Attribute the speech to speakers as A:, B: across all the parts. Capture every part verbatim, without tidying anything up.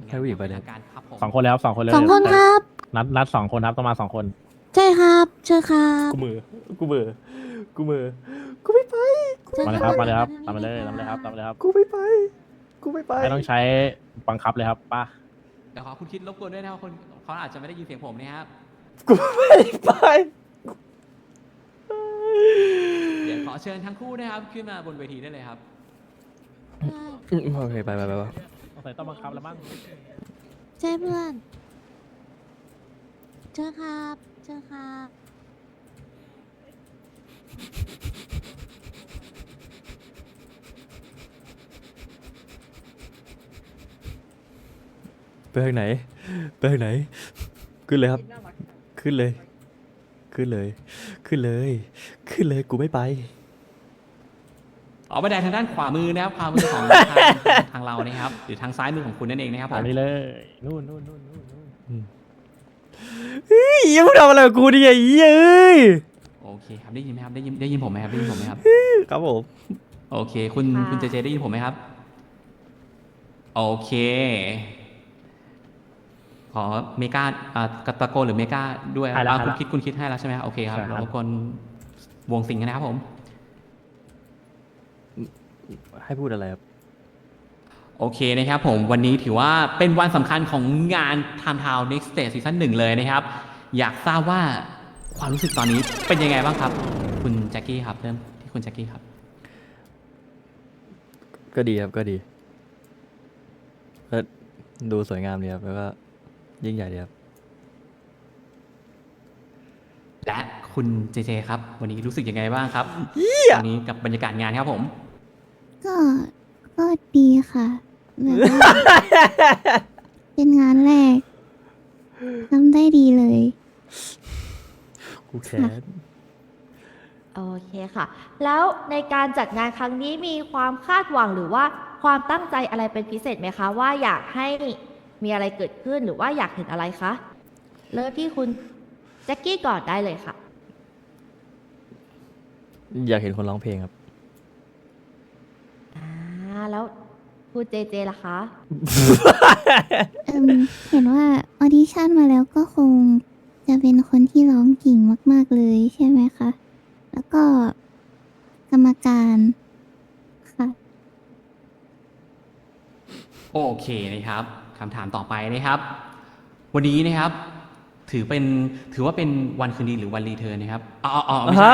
A: ให้ผู้หญิงไปเลย
B: การครับผม
C: สองคนแล้วสองคนเลย
D: สองคนครับ
C: นัดนัดสองคนครับต้องมาสองคน
D: ใช่ครับเชิญครับ
A: กูมือกูมือกูมือกูไม่ไป
D: ชิญ
C: มาเลยครับมาเลยครับตามมาเลยตามมาเลยครับตามมาเลยครับ
A: กูไม่ไปกูไม่ไป
C: ไม่ต้องใช้บังคับเลยครับป้า
B: เดี๋ยวขอคุณคิดรบกวนด้วยนะครับคนเขาอาจจะไม่ได้ยินเสียงผมนะครับ
A: กูไม่ไป
B: เดี๋ยวขอเชิญทั้งคู่นะครับขึ้นมาบนเวทีได้เลยครับ
A: อืมโอเคไปไปไปไป
C: สงสัยต้องบังคับแล้วมั้ง
D: ใช่เพื่อนเชิญครับเชิญครับ
A: ไปทางไหนไปทางไหน ขึ้นเลยครับ ขึ้นเลย ขึ้นเลย ขึ้นเลย ขึ้นเลยกูไม่ไป
B: ออกบันไดทางด้านขวามือนะครับขวามือของ ทางทางเรานะครับหรือทางซ้ายมือของคุณนั่นเองนะครับผ
C: อัน
B: ม
C: นี้เลยนู่นนู่นนู่นนู่นนู่น
A: เฮ้ยยังไม่ทำอะไรกับกูดิไอ้เหี้ยเอ้ย
B: โอเคครับได้ยินไหมครับได้ยินได้ยินผมไหมครับได้ยินผมไหมครับ
A: ครับผม
B: โอเคคุณคุณเจเจได้ยินผมไหมครับโอเคขอเมกาอ่ากตะโกนหรือเมกาด้วยอ่าคุณคิดคุณคิดให้แล้วใช่ไหมครับโอเคครับเราคนวงสิงห์กันนะครับผม
A: ให้พูดอะไรครับ
B: โอเคนะครับผมวันนี้ถือว่าเป็นวันสำคัญของงาน Time Town Next Stage ซีซั่นหนึ่งเลยนะครับ อยากทราบว่าความรู้สึกตอนนี้เป็นยังไงบ้างครับ คุณแจ็คกี้ครับเริ่มที่คุณแจ็คกี้ครับ
A: ก็ดีครับก็ดีก็ดูสวยงามดีครับแล้วก็ยิ่งใหญ่ดีครับ
B: และคุณเจเจครับ วันนี้รู้สึกยังไงบ้างครับวันนี้กับบรรยากาศงานครับผม
D: ก็ก็ดีค่ะแบบว่า เป็นงานแรกทำได้ดีเลย
A: กูแค้น
E: โอเคค่ะ แล้วในการจัดงานครั้งนี้มีความคาดหวังหรือว่าความตั้งใจอะไรเป็นพิเศษไหมคะ ว่าอยากให้มีอะไรเกิดขึ้นหรือว่าอยากเห็นอะไรคะเริ่มที่คุณแจ็คกี้ก่อนได้เลยค่ะ
A: อยากเห็นคนร้องเพลงครับ
E: อ่าแล้วคุณเจเจล่ะคะ
D: เอิ่มเห็นว่าออดิชั่นมาแล้วก็คงจะเป็นคนที่ร้องเก่งมาก ๆ เลยใช่ไหมคะ แล้วก็กรรมการค่ะ
B: โอเคนะครับคำถามต่อไปนะครับ วันนี้นะครับ ถือเป็นถือว่าเป็นวันคืนดีหรือวันรีเทิร์นนะครับอ๋ออ๋อไม่ใช่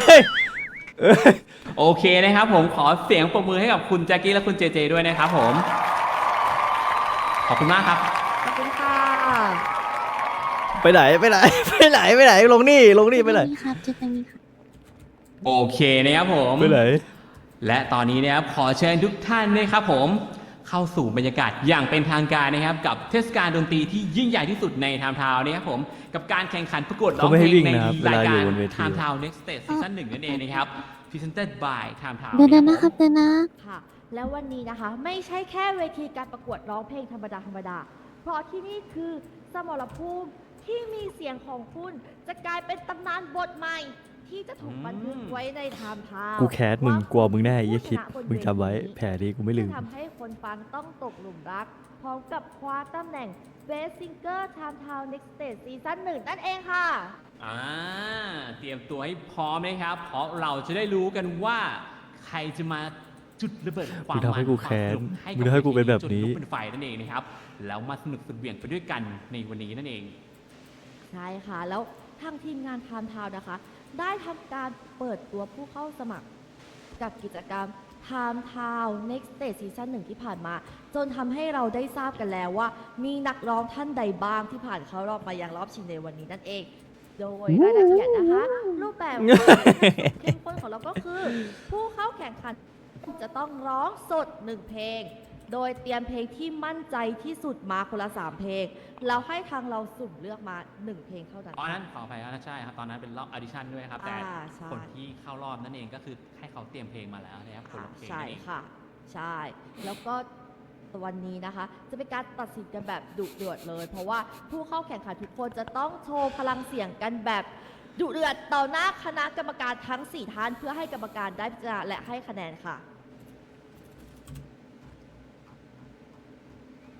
B: โอเคนะครับผมขอเสียงปรบมือให้กับคุณแจ็คกี้และคุณเจเจด้วยนะครับผม ขอบคุณมากครับ
E: ขอบคุณค่ะ
A: ไปไหนไปไหนไปไหนไปไหนลงนี่ลงนี่ไปไหน
D: เจอกันนี้ครับเจอกันนี้ครับ
B: โอเคนะครับผม
A: ไปไหน
B: และตอนนี้นะครับขอเชิญทุกท่านนะครับผมเข้าสู่บรรยากาศอย่างเป็นทางการนะครับกับเทศกาลดนตรีที่ยิ่งใหญ่ที่สุดในไทม์ทาวน์นะครับผมกับการแข่งขันประกวดร้องเพลงในรายการ Time Town Next Stage ซีซั่นหนึ่งนั่นเองนะครับ Presented by Time Town
D: เดี๋ยวๆนะครับเดี๋ยวนะ
E: ค่ะ แล้ววันนี้นะคะไม่ใช่แค่เวทีการประกวดร้องเพลงธรรมดาธรรมดา เพราะที่นี่คือสมรภูมิที่มีเสียงของคุณจะกลายเป็นตำนานบทใหม่ ที่จะถูกบันทึกไว้ในไทม์ทาวน์
A: กูแค้นมึงกลัวมึงแน่ไอ้เหี้ยคิดมึงจำไว้แผลนี้กูไม่ลืม
E: จะทำให้คนฟังต้องตกหลุมรัก พร้อมกับคว้าตำแหน่ง Best Singer Time Town Next Stage ซีซั่นหนึ่งนั่นเองค่ะ
B: อ่าเตรียมตัวให้พร้อมนะครับ เพราะเราจะได้รู้กันว่าใครจะมาจุดระเบิดความ
A: มึงทำให้กูแค้น
B: วามสนุให้
A: มึงทำให้กูเป็นแบบนี้
B: จุดลุกเป็นไฟนั่นเองนะครับแล้วมาสนุกสุดเหวี่ยงไปด้วยกันในวันนี้นั่นเอง
E: ใช่ค่ะ แล้วทางทีมงาน Time Town นะคะ ได้ทำการเปิดตัวผู้เข้าสมัคร กับกิจกรรม Time Town Next Stage ซีซั่นหนึ่งที่ผ่านมา จนทำให้เราได้ทราบกันแล้วว่า มีนักร้องท่านใดบ้างที่ผ่านเข้ารอบมายังรอบชิงในวันนี้นั่นเอง โดยรายละเอียดนะคะ รูปแบบความเข้มข้นของเราก็คือ ผู้เข้าแข่งขันจะต้องร้องสดหนึ่งเพลง โดยเตรียมเพลงที่มั่นใจที่สุดมาคนละสามเพลง แล้วให้ทางเราสุ่มเลือกมาหนึ่งเพลงเท่านั้น
B: ตอนนั้นขออภัยครับใช่ครับตอนนั้นเป็นรอบออดิชั่นด้วยครับ แต่
E: อ่าใช่
B: คนที่เข้ารอบนั่นเองก็คือให้เขาเตรียมเพลงมาแล้วนะครับคน
E: ค่ะ
B: ละเพลง
E: ใช่
B: นั่นเอง
E: ค่ะ ใช่ แล้วก็วันนี้นะคะ จะเป็นการตัดสินกันแบบดุเดือดเลย เพราะว่าผู้เข้าแข่งขันทุกคนจะต้องโชว์พลังเสียงกันแบบดุเดือดต่อหน้าคณะกรรมการทั้งสี่ท่านเพื่อให้กรรมการได้พิจารณาและให้คะแนนค่ะ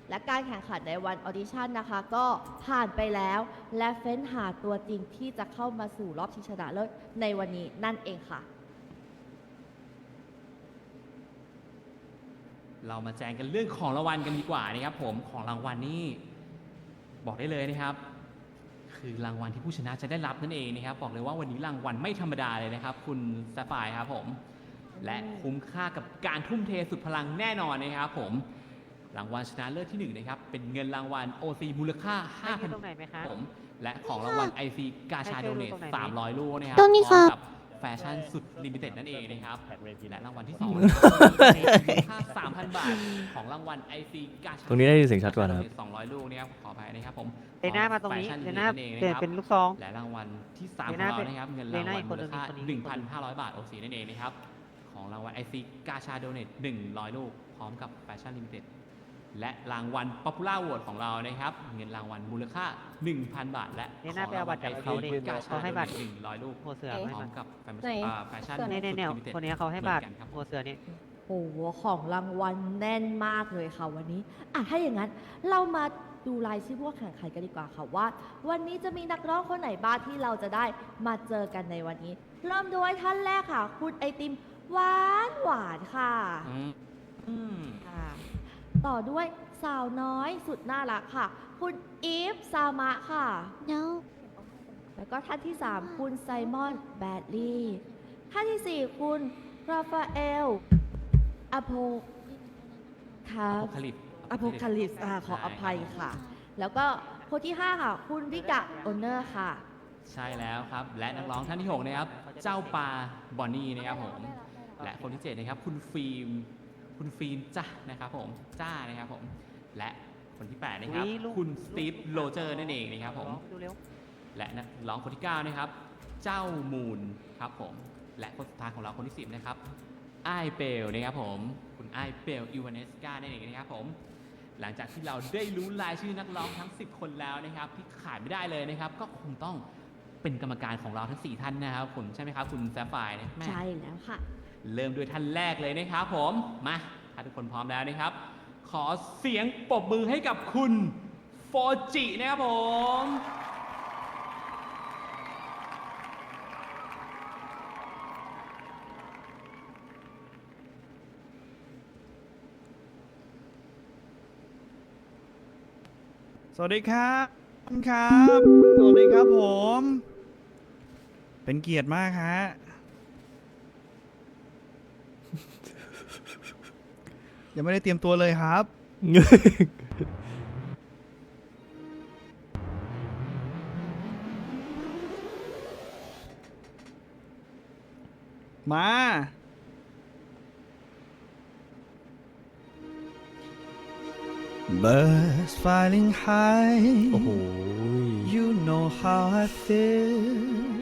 E: และการแข่งขันในวันออดิชั่นนะคะ ก็ผ่านไปแล้ว และเฟ้นหาตัวจริงที่จะเข้ามาสู่รอบชิงชนะเลิศในวันนี้นั่นเองค่ะ
B: เรามาแจ้งกันเรื่องของรางวัลกันดีกว่านะครับผมของรางวัลนี่บอกได้เลยนะครับ คือรางวัลที่ผู้ชนะจะได้รับนั่นเองนะครับบอกเลยว่าวันนี้รางวัลไม่ธรรมดาเลยนะครับคุณแซฟไฟร์ครับผมและคุ้มค่ากับการทุ่มเทสุดพลังแน่นอนนะครับผมรางวัลชนะเลิศที่หนึ่งนะครับเป็นเงินรางวัล โอ ซี มูลค่า ห้าพัน
F: ตรงไหนไหมคะ
B: ผมและของรางวัล ไอ ซี กาชาโดเนทสามร้อยลูกนะครั
D: ตรงนี้
B: พร้อม
D: ค่ะ
B: กับแฟชั่นสุดลิมิเต็ดนั่นเองนะครับ
C: แท็กเวที
B: และรางวัลที่สองมูลค่า สามพัน บาท ของรางวัล ไอ ซี กาชา
A: ตรงนี้ได้ยินเสียงชัดกว่านะครับ
B: สองร้อยลูกนะครับขออภัยนะครับผม
F: เดน่ามาตรงนี้
B: แฟชั่
F: เดน่า
B: เอง
F: เปลี่ยน
B: นะครับ
F: เป็นลูกซอง
B: และรางวัลที่สาม
F: เด
B: ของ
F: น่า
B: เรา
F: เป็น
B: นะครับเงิน
F: เด
B: ราง
F: น่า
B: วัล
F: อีกค
B: มู
F: นหนึ่
B: ล
F: ง
B: ค่า
F: อีกคนหนึ่ง
B: หนึ่งพันห้าร้อย บาทโอซีนั่นเองนะครับของรางวัล ไอ ซี กาชาโดเนทหนึ่งร้อยลูกพร้อมกับแฟชั่นลิมิเต็ดและรางวัล Popular Award ของเรานะครับเงินรางวัลมูลค่า หนึ่งพัน บาท และ
F: เดน่าไปเอาบัตรจาก
B: ข
F: เขา
B: อง
F: ดิ
B: รางวัล ไอ ซี กาชา
F: เขาให้บัตร
B: หนึ่งร้อยลูก
F: หัวเสือ
E: เอ๊ะ
F: ให้
B: พร้อ
F: บั
B: ม
F: ตร
B: กับแฟ
E: ไหน
B: อ่าแฟชั่น
F: เนี่ยเนี่ยเนี่ย
B: สุด
F: คนนี้เขาให้บัตร
B: เหมือนกันครับ
F: หัวเสือนี่
E: โอ้โหของรางวัลแน่นมากเลยค่ะวันนี้อ่ะถ้าอย่างนั้นเรามาดูรายชื่อผู้แข่งขันกันดีกว่าค่ะว่า วันนี้จะมีนักร้องคนไหนบ้างที่เราจะได้มาเจอกันในวันนี้ เริ่มด้วยท่านแรกค่ะ คุณไอติมหวานหวานค่ะ
B: อืมอืม
E: ค่ะ ต่อด้วยสาวน้อยสุดน่ารักค่ะ คุณอีฟซามะค่ะ
D: เดี๋ยว
E: แล้วก็ท่านที่ 3 คุณไซมอนแบดลีย์ท่านที่ 4 คุณราฟาเอลอโพคา
B: อโพคาลิป
E: อโพคาลิปส์อ่าขออภัยค่ะ แล้วก็คนที่ 5 ค่ะ คุณริกะโอเนอร์ค่ะ
B: ใช่แล้วครับ และนักร้องท่านที่ 6 นะครับ เจ้าปลาบอนนี่นะครับผม และคนที่ 7 นะครับ คุณฟิล์ม คุณฟิล์มจ้านะครับผม จ้านะครับผม และคนที่ แปด นะครับ
F: อุ๊ยลูก
B: คุณสตีฟโรเจอร์นั่นเองนะครับผม
F: ดูเร็ว
B: และนักร้องคนที่ เก้า นะครับ เจ้ามูนครับผม และคนสุดท้ายของเราคนที่ สิบ นะครับไอเปลนะครับผม คุณไอเปลอิวานเนสกานั่นเองนะครับผม หลังจากที่เราได้รู้รายชื่อนักร้องทั้ง สิบ คนแล้วนะครับ ที่ขาดไม่ได้เลยนะครับ ก็คงต้องเป็นกรรมการของเราทั้ง สี่ ท่านนะครับคุณใช่ไหมครับ คุณแซฟไฟร์เนี่ยแม่
E: ใช่แล้วค่ะ
B: เริ่มด้วยท่านแรกเลยนะครับผมมาถ้าทุกคนพร้อมแล้วนะครับ ขอเสียงปรบมือให้กับคุณโฟจินะครับผม
G: สวัสดีครับครับ สวัสดีครับผม เป็นเกียรติมากฮะ ยังไม่ได้เตรียมตัวเลยครับ มา Birds flying high
A: โอ้โห
G: You know how I feel